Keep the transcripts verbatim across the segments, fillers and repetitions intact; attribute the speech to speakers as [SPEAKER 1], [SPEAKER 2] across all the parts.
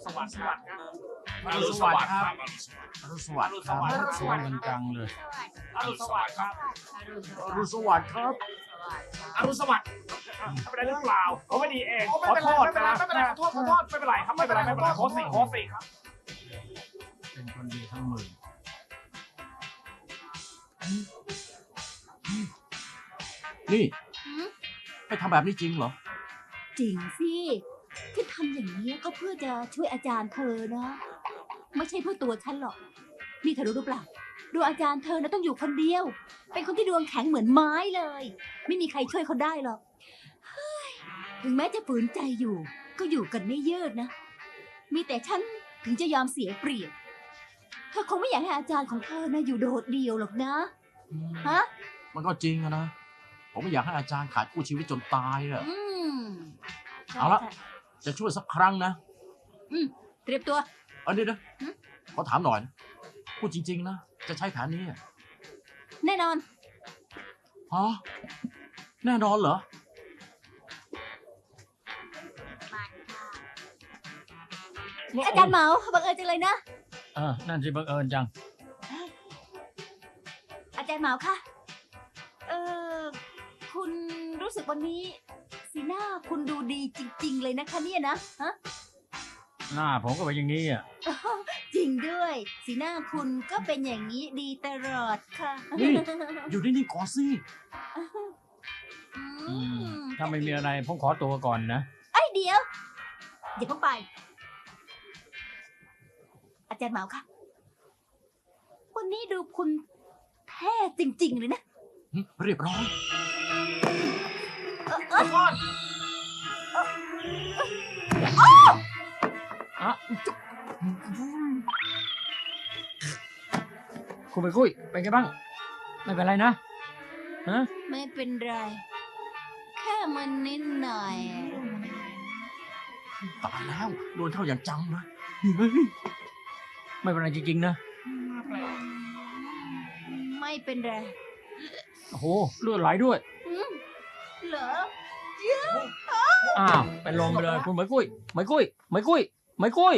[SPEAKER 1] สวัสดิ์ครับ
[SPEAKER 2] อรุณสวัสดิ์ครับ
[SPEAKER 3] อรุณสวัสดิ์ครับ
[SPEAKER 1] อรุณสวัสดิ์
[SPEAKER 3] เสียงจังเลย
[SPEAKER 1] อรุณสวัสดิ์ครับ
[SPEAKER 3] อรุณสวัสดิ์ครับ
[SPEAKER 1] อรุณสวัสดิ์ทำอะไรหรือเปล่าผมไม่ดีเองขอโทษนะไม่เป็นไรขอโทษขอโทษไม่เป็นไรครับไม่เป็นไรไม่เป็นไรโคสิโคสิครับ
[SPEAKER 3] เป็นคนดีทั้งหมื่นนี่ไปทำแบบนี้จริงเหรอ
[SPEAKER 4] จริงสิที่ทำอย่างนี้ก็เพื่อจะช่วยอาจารย์เธอนะ ไม่ใช่เพื่อตัวฉันหรอกนี่เธอรู้หรือเปล่าดวงอาจารย์เธอนะต้องอยู่คนเดียว เป็นคนที่ดวงแข็งเหมือนไม้เลย ไม่มีใครช่วยเขาได้หรอกเฮ้ยถึงแม้จะฝืนใจอยู่ ก็อยู่กันไม่ยืดนะ มีแต่ฉันถึงจะยอมเสียเปรียบเธอคงไม่อยากให้อาจารย์ของเธอนะอยู่โดดเดี่ยวหรอกนะฮะ
[SPEAKER 3] มันก็จริงอะนะ ผมไม่อยากให้อาจารย์ขาดคู่ชีวิตจนตายอะ
[SPEAKER 4] อืมใช่
[SPEAKER 3] เอาละ
[SPEAKER 4] ใช่
[SPEAKER 3] จะช่วยสักครั้งนะ
[SPEAKER 4] อืมเตรียมตัว
[SPEAKER 3] อันนี้นะ
[SPEAKER 4] หึ
[SPEAKER 3] ขอถามหน่อยนะพูดจริง ๆ นะ จะใช้แผนนี้อะ
[SPEAKER 4] แน่นอน
[SPEAKER 3] ฮะแน่นอนเหรอ
[SPEAKER 4] อาจารย์เหมาบังเอิญจังเลยนะ
[SPEAKER 3] เออ นั่นสิบังเอิญจัง
[SPEAKER 4] อาจารย์เหมาคะเออคุณรู้สึกวันนี้ สีหน้าคุณดูดีจริง ๆ เลยนะคะเนี่ยนะฮะ
[SPEAKER 3] หน้าผมก็เป็นอย่างนี้อ่ะ
[SPEAKER 4] จริงด้วย สีหน้าคุณก็เป็นอย่างนี้ดีตลอดค่ะ
[SPEAKER 3] นี่ อยู่นิ่งๆก่อนสิ
[SPEAKER 4] อืม
[SPEAKER 3] ถ้าไม่มีอะไรผมขอตัวก่อนนะ
[SPEAKER 4] ไอ้ยเดี๋ยวอย่าเพิ่งไป อาจารย์เหมาคะวันนี้ดูคุณแท้จริง ๆ เลยนะ
[SPEAKER 3] เรียบร้อย
[SPEAKER 4] เออเออ
[SPEAKER 1] โทษ
[SPEAKER 3] อะคุณไปคุยเป็นไงบ้าง ไม่เป็นไรนะ ฮะ
[SPEAKER 4] ไม่เป็นไร แค่มันนิดหน่อย
[SPEAKER 3] ตายแล้ว โดนเข้าอย่างจังเลยเฮ้ยไม่เป็นไรจริงๆนะ
[SPEAKER 4] ไม่เป็นไร
[SPEAKER 3] โอ้โห เลือดไหลด้วย
[SPEAKER 4] อืมเหรอ
[SPEAKER 3] อ้าว เป็นลมไปเลยคุณเหมยกุ้ยเหมยกุ้ยเหมยกุ้ยเหมยกุ้ย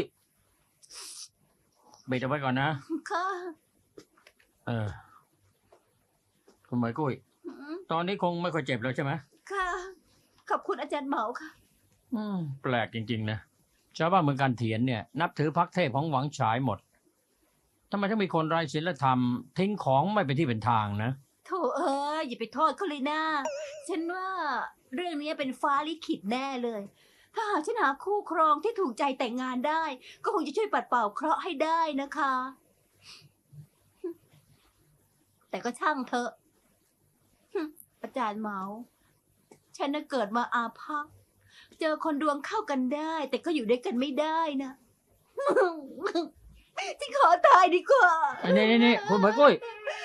[SPEAKER 3] เบรกเอาไว้ก่อนนะ
[SPEAKER 4] ค่ะ
[SPEAKER 3] เออ คุณเหมยกุ้ย
[SPEAKER 4] อืม
[SPEAKER 3] ตอนนี้คงไม่ค่อยเจ็บแล้วใช่ไหม
[SPEAKER 4] ค่ะ ขอบคุณอาจารย์เหมาค่ะ
[SPEAKER 3] อืม แปลกจริงๆนะ ชาวบ้านเมืองการเถียนเนี่ย นับถือพรรคเทพของหวังฉายหมดทำไมต้องมีคนไร้ศีลธรรม ทิ้งของไม่เป็นที่เป็นทางนะ
[SPEAKER 4] โถเอ้ยอย่าไปโทษเขาเลยนะ ฉันว่าเรื่องนี้เป็นฟ้าลิขิตแน่เลย ถ้าหากฉันหาคู่ครองที่ถูกใจแต่งงานได้ ก็คงจะช่วยปัดเป่าเคราะห์ให้ได้นะคะ แต่ก็ช่างเถอะฮึอาจารย์เหมา ฉันน่ะเกิดมาอาภัพเจอคนดวงเข้ากันได้ แต่ก็อยู่ด้วยกันไม่ได้นะ ฉันขอตายดีกว่า
[SPEAKER 3] นี่นี่นี่คุณเหมยกุ้ย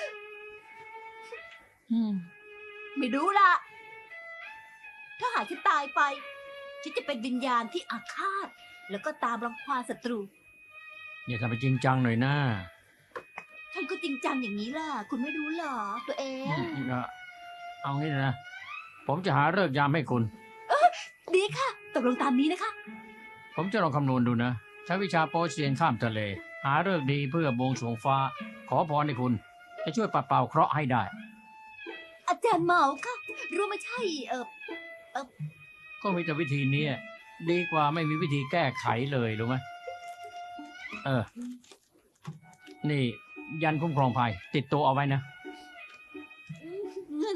[SPEAKER 3] อืม
[SPEAKER 4] ไม่รู้ล่ะ ถ้าหากฉันตายไป ฉันจะเป็นวิญญาณที่อาฆาต แล้วก็ตามรังควานศัตรู
[SPEAKER 3] อย่าทำไปจริงจังหน่อยนะ
[SPEAKER 4] ฉันก็จริงจังอย่างนี้ล่ะ คุณไม่รู้เหรอ ตัวเอง
[SPEAKER 3] อืมเอาเอางี้นะ ผมจะหาฤกษ์ยามให้คุณ
[SPEAKER 4] ดีค่ะ ตกลงตามนี้นะคะ
[SPEAKER 3] ผมจะลองคำนวณดูนะ ใช้วิชาโปเซียนข้ามทะเล หาฤกษ์ดีเพื่อบวงสรวงฟ้า ขอพรให้คุณ จะช่วยปัดเป่าเคราะห์ให้ได้
[SPEAKER 4] อาจารย์เหมาค่ะ รู้ไม่ใช่ เออ
[SPEAKER 3] ก็มีแต่วิธีนี้ดีกว่าไม่มีวิธีแก้ไขเลยรู้ไหมเออ นี่ ยันคุ้มครองภัย ติดตัวเอาไว้นะ
[SPEAKER 4] เงิน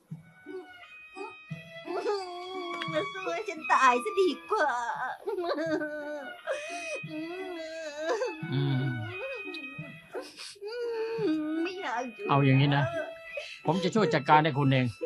[SPEAKER 4] สู้ให้ฉันตายซะดีกว่า
[SPEAKER 3] อืม
[SPEAKER 4] ไม่อยากยู่
[SPEAKER 3] เอาอย่างนี้นะ ผมจะช่วยจัดการให้คุณเอง